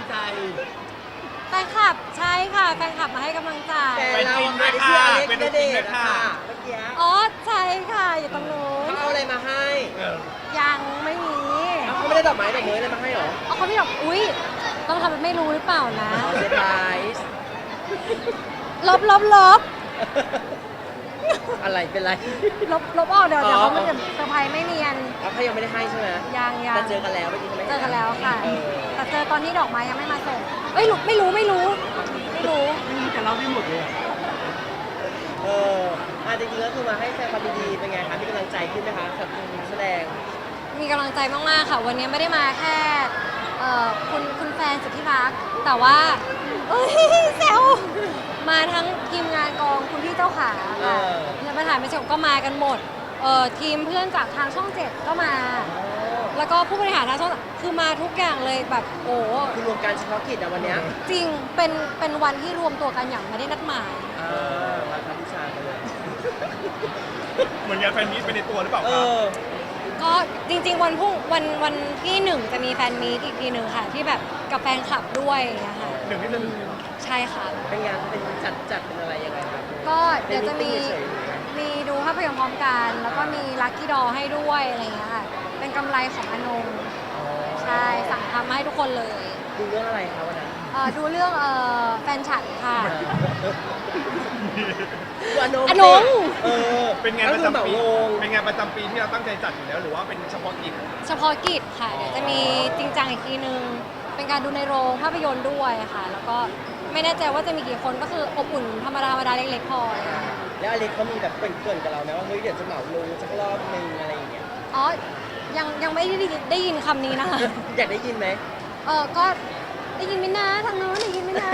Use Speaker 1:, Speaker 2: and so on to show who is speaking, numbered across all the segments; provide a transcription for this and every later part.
Speaker 1: ใจ
Speaker 2: แฟนคลับใช่ค่ะแฟนคลับมาให้กำลังใจ
Speaker 3: แต่เราไม่ได้ชื่ออเล็กณเดชน์ค่ะเมื่อกี้
Speaker 2: อ๋อใช่ค่ะอยู่ตรงนู้น
Speaker 3: เขาเอาอะไรมาให้
Speaker 2: ยังไม่มี
Speaker 3: เขาไม่ได้ดอกไม้ดอกเมยอะไรมาให้หรอ
Speaker 2: เอาเขาไม่บอกอุ๊ยต้องทำเป็นไม่รู้หรือเปล่านะ
Speaker 3: เซอร์ไพรส์
Speaker 2: ลบ
Speaker 3: อะไรเป็นไร
Speaker 2: ลบออกเดี๋ยว
Speaker 3: อ๋อ
Speaker 2: เขาไม่จะเซอร์ไพรส์ไม่เนียน
Speaker 3: เขายังไม่ได้ให้ใช่ไหม
Speaker 2: ยัง
Speaker 3: แต่เจอกันแล้วเมื่อกี้เขาไม่
Speaker 2: เจอกันแล้วค่ะ
Speaker 3: เออ
Speaker 2: แต่เจอตอนที่ดอกไม้ยังไม่มาส่งเอ้ยไม่รู้
Speaker 1: ไม่มีแต่เราไม่หมดเลย
Speaker 3: เออจริงๆก็คือมาให้แสดงความยินดีเป็นไงคะมีกำลังใจขึ้นไหมคะกับนักแสดง
Speaker 2: มีกำลังใจมากๆค่ะ วันนี้ไม่ได้มาแค่คุณแฟนสุดที่รัก แต่ว่าเอ้ยแซวมาทั้งทีมงานกองคุณพี่เจ้าขาค่ะแล้วมาถ่ายไม่จบก็มากันหมดทีมเพื่อนจากทางช่อง 7 ก็มา แล้วก็ผู้บริหารทางช่องคือมาทุกอย่างเลยแบบโอ้
Speaker 3: คือรวมการเฉพาะกิจอะวันเนี้ย
Speaker 2: จริงเป็นวันที่รวมตัวกันอย่างไม่ได้นัดหมาย
Speaker 3: วันพัฒวิชาไปเลย
Speaker 4: เหมือนงานแฟนมีตไปในตัวหรือเปล่า
Speaker 3: เอ
Speaker 4: ครับ
Speaker 3: อ
Speaker 2: ก็จริงๆวันที่1จะมีแฟนมีตอีกทีหนึ่งค่ะ ที่แบบกับแฟนคลับด้วยอย่างเงี้ยค่ะ
Speaker 4: หนึ่งที่จะถึง
Speaker 2: ใช่ค่ะ
Speaker 3: เป็นงานเป็นจัดเป็นอะไรยังไงครับ
Speaker 2: ก็เดี๋ยวจะมี
Speaker 3: เป็น meeting เฉยๆหรือไง
Speaker 2: มีดูภาพยนตร์พร้อมกัน แล้วก็มีลัคกี้ดอให้ด้วยอะไรอย่างเงี้ยค่ะ เป็นกำไรของอนงใช่สั่งทำมาให้ทุกคนเลย
Speaker 3: ดูเรื่องอะไรคะวันนั้น
Speaker 2: ดูเรื่องแฟนฉันค่ะ
Speaker 3: ดูอนง
Speaker 2: อนง
Speaker 3: เออ
Speaker 4: เป็นงาน
Speaker 3: ก็
Speaker 4: ประ
Speaker 3: คือเหมา
Speaker 4: จำปี
Speaker 3: ลง
Speaker 4: เป็นงานประจำปีที่เราตั้งใจจัดอยู่แล้วหรือว่าเป็นเฉพาะกิจ
Speaker 2: เฉพาะกิจค่ะ เดี๋ยวจะมีจริงจังอีกทีนึง เป็นการดูในโรงภาพยนตร์ด้วยค่ะ แล้วก็ไม่แน่ใจว่าจะมีกี่คนก็คืออบอุ่นธรรมดาเล็กๆพออะไรอย่างเงี้ย
Speaker 3: แล้วอเล็กเขามีแบบเกริ่นๆกับเราไหมว่าเฮ้ยเดี๋ยวจะเหมาลงสักรอบนึงอะไรอย่างเงี้ย
Speaker 2: อ๋อ ยังไม่ได้ยินคำนี้นะคะ
Speaker 3: อยากได้ยินไหม
Speaker 2: ก็ได้ยินไหมนะทางโน้นได้ยินไหมนะ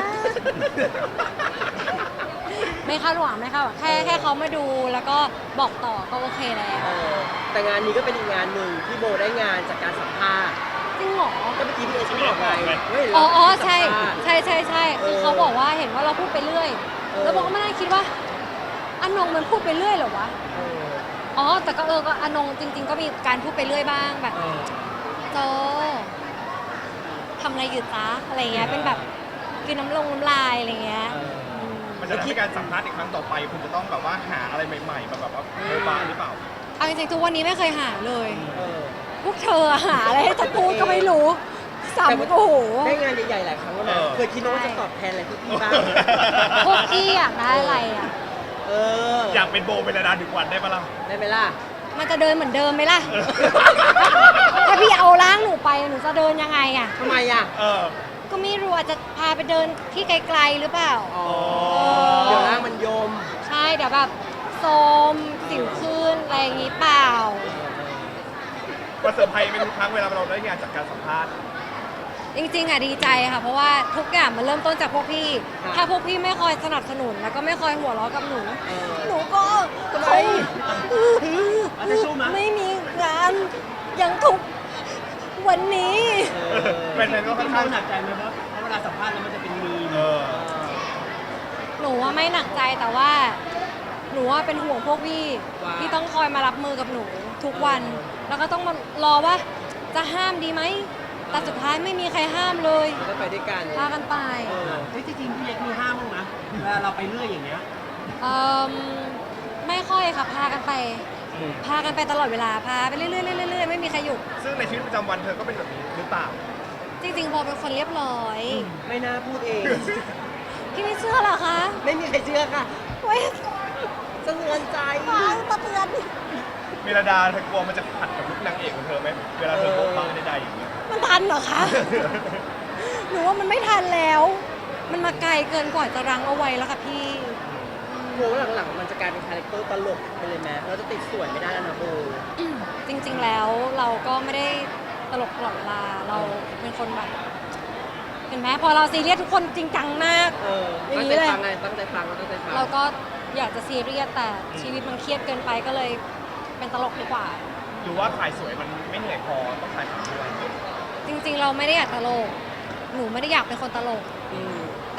Speaker 2: ไม่คาดหวังไม่คาดหวังแค่เขามาดูแล้วก็บอกต่อก็โอเคแล้ว
Speaker 3: เออแต่งานนี้ก็เป็นอีกงานหนึ่งที่โบได้งานจากการสัมภาษณ์
Speaker 2: จริงเหรอ
Speaker 3: ก็เมื่อกี้พี่เอชบอกไงเฮ้ย
Speaker 2: อ๋อ
Speaker 3: เรา
Speaker 2: ใช่
Speaker 3: สัมภาษณ์
Speaker 2: ใช่คือเขาบอกว่าเห็นว่าเราพูดไปเรื่อย แล้วบอกก็ไม่ได้คิดว่าอนงมันพูดไปเรื่อยเหรอวะ
Speaker 3: เออ
Speaker 2: อ๋อ แต่ก็ก็อนงจริง ๆ ก็มีการพูดไปเรื่อยบ้างแบบ
Speaker 3: เออ
Speaker 2: โจทำอะไรอยู่จ๊ะอะไรเงี้ย เป็นแบบคือน้ำลายอะไรเงี้ย
Speaker 4: มันจะทำให้การสัมภาษณ์อีกครั้งต่อไป คุณจะต้องแบบว่าหาอะไรใหม่ๆมาแบบว่าโมบายหรือเปล่า
Speaker 2: เอาจริงๆทุกวันนี้ไม่เคยหาเลย
Speaker 3: เออ
Speaker 2: พวกเธอหาอะไรให้จะพูดก็ไม่รู้สัมโอ้โห
Speaker 3: ได้งานใหญ่ๆหลายครั้งแล้วนะ
Speaker 4: เออ
Speaker 3: เคยคิดว่าจะตอบแทนอะไรพี่ๆบ้าง
Speaker 2: พวกพี่อยากได้อะไรอ่ะ
Speaker 3: เออ
Speaker 4: อยากเป็นโบเป็นระดาดึกวันได้ปะล่ะ
Speaker 3: ได้ไหมล่ะ
Speaker 2: มันจะเดินเหมือนเดิมไหมล่ะ ถ้าพี่เอาร่างหนูไปหนูจะเดินยังไงอ่ะ
Speaker 3: ทำไมอ่ะ
Speaker 4: เออ
Speaker 2: ก็ไม่รู้อาจจะพาไปเดินที่ไกลๆหรือเปล่า
Speaker 3: อ๋อ เดี๋ยวร่างมันโยม
Speaker 2: ใช่เดี๋ยวแบบโซมสิวขึ้นอะไรอย่างงี้เปล่า
Speaker 4: ว่าเซอร์ไพรส์ไหมทุกครั้งเวลาเราได้งานจากการสัมภาษณ์
Speaker 2: จริงๆอ่ะดีใจค่ะ เพราะว่าทุกอย่างมันเริ่มต้นจากพวกพี่
Speaker 3: ครับ
Speaker 2: ถ้าพวกพี่ไม่คอยสนับสนุนแล้วก็ไม่คอยหัวเราะกับหนู
Speaker 3: เออ
Speaker 2: หนูก็
Speaker 3: ทำไม
Speaker 1: อาจจะสู้มั้ย
Speaker 2: ไม่มีงานอย่างทุกวันนี้
Speaker 4: แฟนๆก็ค่อน
Speaker 1: พี่
Speaker 4: ข้าง
Speaker 1: โบหนักใจไหมเพราะเวลาสัมภาษณ์แล้วมันจะเป็นมีม
Speaker 4: เออ
Speaker 2: หนูว่าไม่หนักใจแต่ว่า หนูว่าเป็นห่วงพวกพี่
Speaker 3: ว่า
Speaker 2: ที่ต้องคอยมารับมือกับหนูทุกวัน แล้วก็ต้องมารอว่าจะห้ามดีไหมแต่สุดท้ายไม่มีใครห้ามเลย
Speaker 3: ก็ไปด้วยกัน
Speaker 2: พากันไป
Speaker 3: เออ
Speaker 1: เฮ้ยจริงๆพี่เล็กมีห้ามบ้างนะเวลาเราไปเรื่อยอย่างเงี้ย
Speaker 2: เอิ่มไม่ค่อยค่ะพากันไป พากันไปตลอดเวลาพาไปเรื่อยๆเรื่อยๆไม่มีใครหยุด
Speaker 4: ซึ่งในชีวิตประจำวันเธอก็เป็นแบบนี้หรือเปล่า
Speaker 2: จริงๆโบเป็นคนเรียบร้อย
Speaker 3: ไม่น่าพูดเอง
Speaker 2: พี่ไม่เชื่อเหรอคะ
Speaker 3: ไม่มีใครเชื่อค่ะ
Speaker 2: เว้ย
Speaker 3: สะเทือนใจ
Speaker 2: ฟังตะเตือน
Speaker 4: เมลดาเธอกลัวมันจะขัดกับลุคนางเอกของเธอไหมเวลาเธอโพสต์บ้างใดๆอย่างเงี้ย
Speaker 2: มันทันเหรอคะ หนูว่ามันไม่ทันแล้ว มันมาไกลเกินกว่าจะรั้งเอาไว้แล้วค่ะพี่
Speaker 3: โบหลังๆมันจะกลายเป็นคาแรคเตอร์ตลกไปเลยไหมเราจะติดส่วนไม่ได้แล้วนะโบ
Speaker 2: จริงๆแล้วเราก็ไม่ได้ตลกตลอดเวลา เราเป็นคนแบบ เห็นไหมพอเราซีเรียสทุกคนจริงจังมาก
Speaker 3: เออ
Speaker 2: อย่าง
Speaker 3: ตั้ง
Speaker 2: นี้
Speaker 3: ใจ
Speaker 2: เลย
Speaker 3: ฟังไงตั้งใจฟังตั้งใจฟัง
Speaker 2: เราก็อยากจะซีเรียสแต่ชีวิตมันเครียดเกินไปก็เลยเป็นตลกดีกว่า
Speaker 4: หรือว่าถ่ายสวยมันไม่เหนื่อยพอต้องถ่ายขำด้วย
Speaker 2: จริงๆ เราไม่ได้อยากตลก หนูไม่ได้อยากเป็นคนตลก
Speaker 3: อืม
Speaker 2: แต่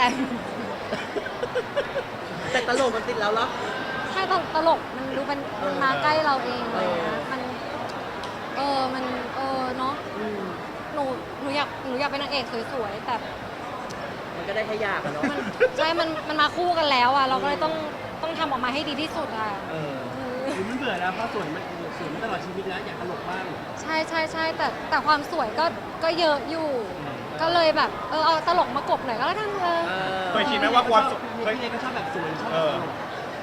Speaker 3: แต่ตลกมันติดแล้วเหรอ
Speaker 2: ถ้าตลกมันดูเป็นมันมาใกล้เราเองเลยนะมัน มันเนาะ
Speaker 3: อืม
Speaker 2: หนูหนูอยากเป็นนางเอกสวยๆแต่
Speaker 3: มันก็ได้แค่อยากอะเนาะ
Speaker 2: ใช่มันมาคู่กันแล้วอ่ะเราก็เลยต้องทำออกมาให้ดีที่สุดอ่ะ
Speaker 3: เออ
Speaker 1: หรือมันเบื่อแล้วเพราะสวยมันตลอดชีวิตแล้วอยากตลกบ้าง
Speaker 2: ใช่แต่ความสวยก็เยอะอยู่ ก็เลยแบบเอาตลกมากบหน่อยก็แล้วกัน
Speaker 3: เออ
Speaker 4: เคยคิดไหมว่าความสุข
Speaker 1: พี่เล็กก็ชอบแบบสวยชอบแบบตลก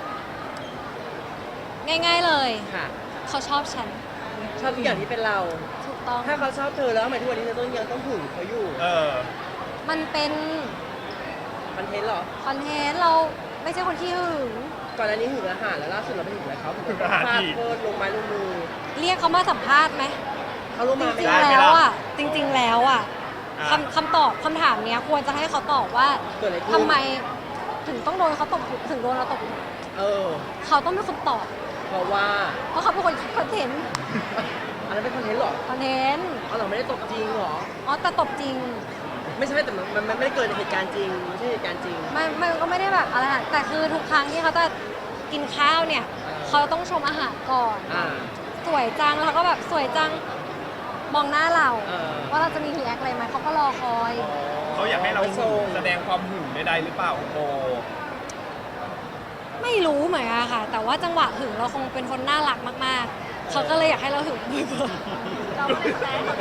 Speaker 2: ง่าย ๆเลย
Speaker 3: ค่ะ
Speaker 2: เขาชอบฉัน
Speaker 3: ชอบทุกอย่างที่เป็นเรา
Speaker 2: ถูกต้อง
Speaker 3: ถ้าเขาชอบเธอแล้วทำไมทุกวันนี้เธอยังต้องหึงเขาอยู่
Speaker 4: เออ
Speaker 2: มันเป็น
Speaker 3: คอนเทนต์เหรอ
Speaker 2: คอนเทนต์เราไม่ใช่คนที่หึง
Speaker 3: ก่อนอันนี้หึงอาหารแล้วล่าสุดเราไปหึงอะไรเขาหึง
Speaker 4: หึงอาหาร
Speaker 3: ฟาด
Speaker 4: อีก
Speaker 3: โคตรลงไม้ลงมือ
Speaker 2: เรียกเขามาสัมภาษณ์ไหม
Speaker 3: เขาลง
Speaker 2: จ
Speaker 3: มาไม่
Speaker 2: ริง
Speaker 3: ได้
Speaker 2: ๆแล้วอ่ะจริง ๆ แล้วอ่ะ
Speaker 4: อ่ะ
Speaker 2: คำถามเนี้ยควรจะให้เขาตอบว่า
Speaker 3: เกิดอะไรขึ้น
Speaker 2: ทำไมถึงต้องโดนเขาตบถึงโดนเราตบ
Speaker 3: เออ
Speaker 2: เขาต้องเป็นคนตอบ
Speaker 3: เพราะว่า
Speaker 2: เพราะเขาเป็นคนคิดคอนเทนต์
Speaker 3: อันนั้นเป็นคอนเทนต์เหรอ
Speaker 2: คอนเทนต์
Speaker 3: เอาเราไม่ได้ตบจริงเหรอ
Speaker 2: อ๋อแต่ตบจริง
Speaker 3: ไม่ใช่แต่มันไม่ได้เกิดเหตุการณ์จริงไม่ใช่เหตุการณ์จริง
Speaker 2: มันก็ไม่ได้แบบอะไรนะแต่คือทุกครั้งที่เขาจะกินข้าวเนี่ย เขาต้องชมอาหารก่อน
Speaker 3: อ่า
Speaker 2: สวยจังแล้วก็แบบสวยจังมองหน้าเรา
Speaker 3: เออ
Speaker 2: ว่าเราจะมีรีแอคอะไรไหมเขาก็รอคอย
Speaker 4: เขาอยากให้เรา
Speaker 3: ไม่ส่ง
Speaker 4: แสดงความหึงใดๆหรือเปล่าโบ
Speaker 2: ไม่รู้เหมือนกันค่ะ แต่ว่าจังหวะหึงเราคงเป็นคนน่ารักมากๆ เขาก็เลยอยากให้เราหึงบ่อยๆ
Speaker 5: เราไม่ได้แสดง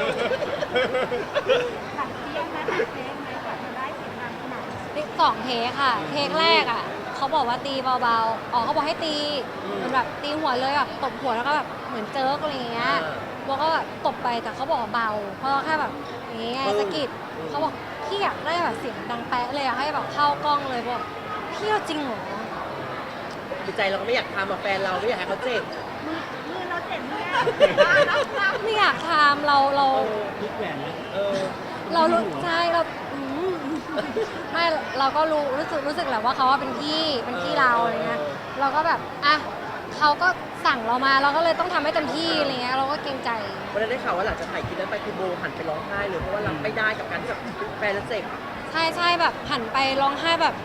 Speaker 5: หลังเที่ยงนะหลังเที่ยงไหมกว่าจะได้เสียงดังขนาดนี้
Speaker 2: สองเทคค่ะ เทคแรกอ่ะเขาบอกว่าตีเบาๆ อ๋อเขาบอกให้ตีเหมือนแบบตีหัวเลยแบบตบหัวแล้วก็แบบเหมือนเจิร์กอะไรอย่างเงี้ยโบก็แบบตบไปแต่เขาบอกว่าเบา เพราะแค่แบบอย่างเงี้ยสะกิดเขาบอกพี่อยากได้แบบเสียงดังแป๊ะเลยอยากให้แบบเข้ากล้องเลยบอกพี่เอาจริงเหรอ
Speaker 3: จิตใจเราก็ไม่อยากทำกับแฟนเราไม่อยากให้เขาเจ็บ
Speaker 5: มือเราเจ็บแน่
Speaker 2: ไม่อยากทำเรา
Speaker 1: ยึดแหวนนะ
Speaker 3: เออ
Speaker 2: เรารู้ใช่เราไม่เราก็รู้สึกแหละว่าเขาว่าเป็นพี่เราอะไรเงี้ยเราก็แบบอ่ะเขาก็สั่งเรามาเราก็เลยต้องทำให้เต็มที่อะไรเงี้ยเราก็เกรงใจ
Speaker 3: วันนั้นได้ข่าวว่าหลังจากถ่ายคลิปนั้นไปคือโบหันไปร้องไห้เลยเพราะว่ารับไม่ได้กับการที่แบบแฟนเราเจ็บ
Speaker 2: ใช่แบบหันไปร้องไห้แบบ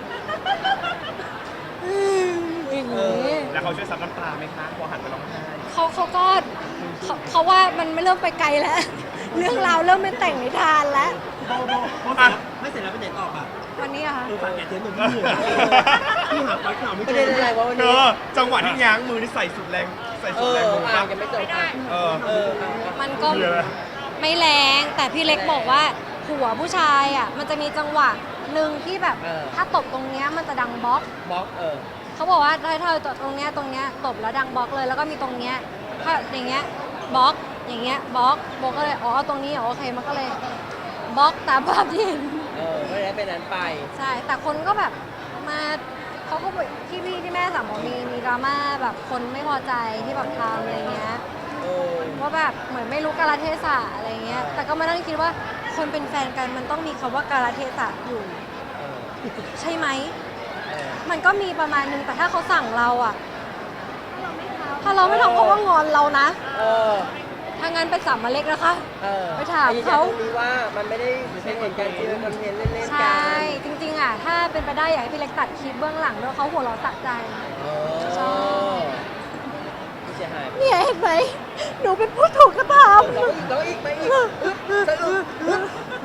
Speaker 2: อย่างนี้
Speaker 4: แล้วเขาช่วยซับน้ำตาไหมคะพอหันไปร้องไห้
Speaker 2: เขาก็เขาว่ามันไม่เริ่มไปไกลแล้ว เรื่องราวเริ่มเป็นแต่งนิทานแล้ว
Speaker 1: โบไม่เสร็จแล้วไปไหนต่อป่ะ
Speaker 2: วันนี้อะคะ
Speaker 1: ฝากแกเทนหนึ่งพี่เหนื่อยพี่หาไปข่าวไม่
Speaker 3: ป
Speaker 1: เจ
Speaker 3: ระเด็น
Speaker 1: อ
Speaker 3: อะไรวะวัน
Speaker 4: เธ
Speaker 3: นี้
Speaker 4: อจังหวะที่ง้างมือนี่ใส่สุดแรงใส่
Speaker 3: เอ
Speaker 4: สุด
Speaker 3: อ
Speaker 4: แรงมือ
Speaker 3: อ่า
Speaker 4: ปะ
Speaker 3: ยังไม่จบอ่ะ
Speaker 4: เออ
Speaker 3: เออ
Speaker 2: มันก็
Speaker 4: เยอะ
Speaker 2: ไม่แรงแต่พี่เล็กบอกว่าหัวผู้ชายอ่ะมันจะมีจังหวะหนึ่งที่แบบถ้าตบตรงเนี้ยมันจะดังบล็อก
Speaker 3: บล็อก
Speaker 2: เขาบอกว่าถ้าเธอตรงเนี้ยตบแล้วดังบล็อกเลย แล้วก็มีตรงเนี้ยถ้าอย่างเงี้ยบล็อกอย่างเงี้ยบล็อกโบก็เลยอ๋อตรงนี้อ๋อโอเคมันก็เลยบล็อกตามภาพที่เห็น
Speaker 3: ไม่ได้เป็นนั้นไป
Speaker 2: ใช่แต่คนก็แบบมาเขาก็บอกที่แม่สั่งบอกมีดราม่าแบบคนไม่พอใจที่แบบทำอะไรเงี้ย ว่าแบบเหมือนไม่รู้กาลเทศะอะไรเงี้ย แต่ก็มานั่งคิดว่าคนเป็นแฟนกันมันต้องมีคำว่ากาลเทศะอยู่ ใช่ไหม มันก็มีประมาณนึงแต่ถ้าเขาสั่งเราอะถ้าเราไม่ทำเขาก็งอนเรานะ ถ้างั้นไปสั่งมาเล็กนะคะ ไปถามเขา
Speaker 3: ตรงนี้ว่ามันไม่ได้เป็นเหตุการณ์จริงเป็นคอนเทนต์เล่นๆ
Speaker 2: ใช
Speaker 3: กั่ น
Speaker 2: จริงๆอะถ้าเป็นไปได้อยากให้พี่เล็กตัดคลิปเบื้องหลังด้วยเขาหัวเราะสะใจ ใช่
Speaker 3: ผู้เสียหาย
Speaker 2: เนี่ยเห็นไหมหนูเป็นผู้ถูกกระทำ
Speaker 3: ร้องอีกไปอีกสะอึก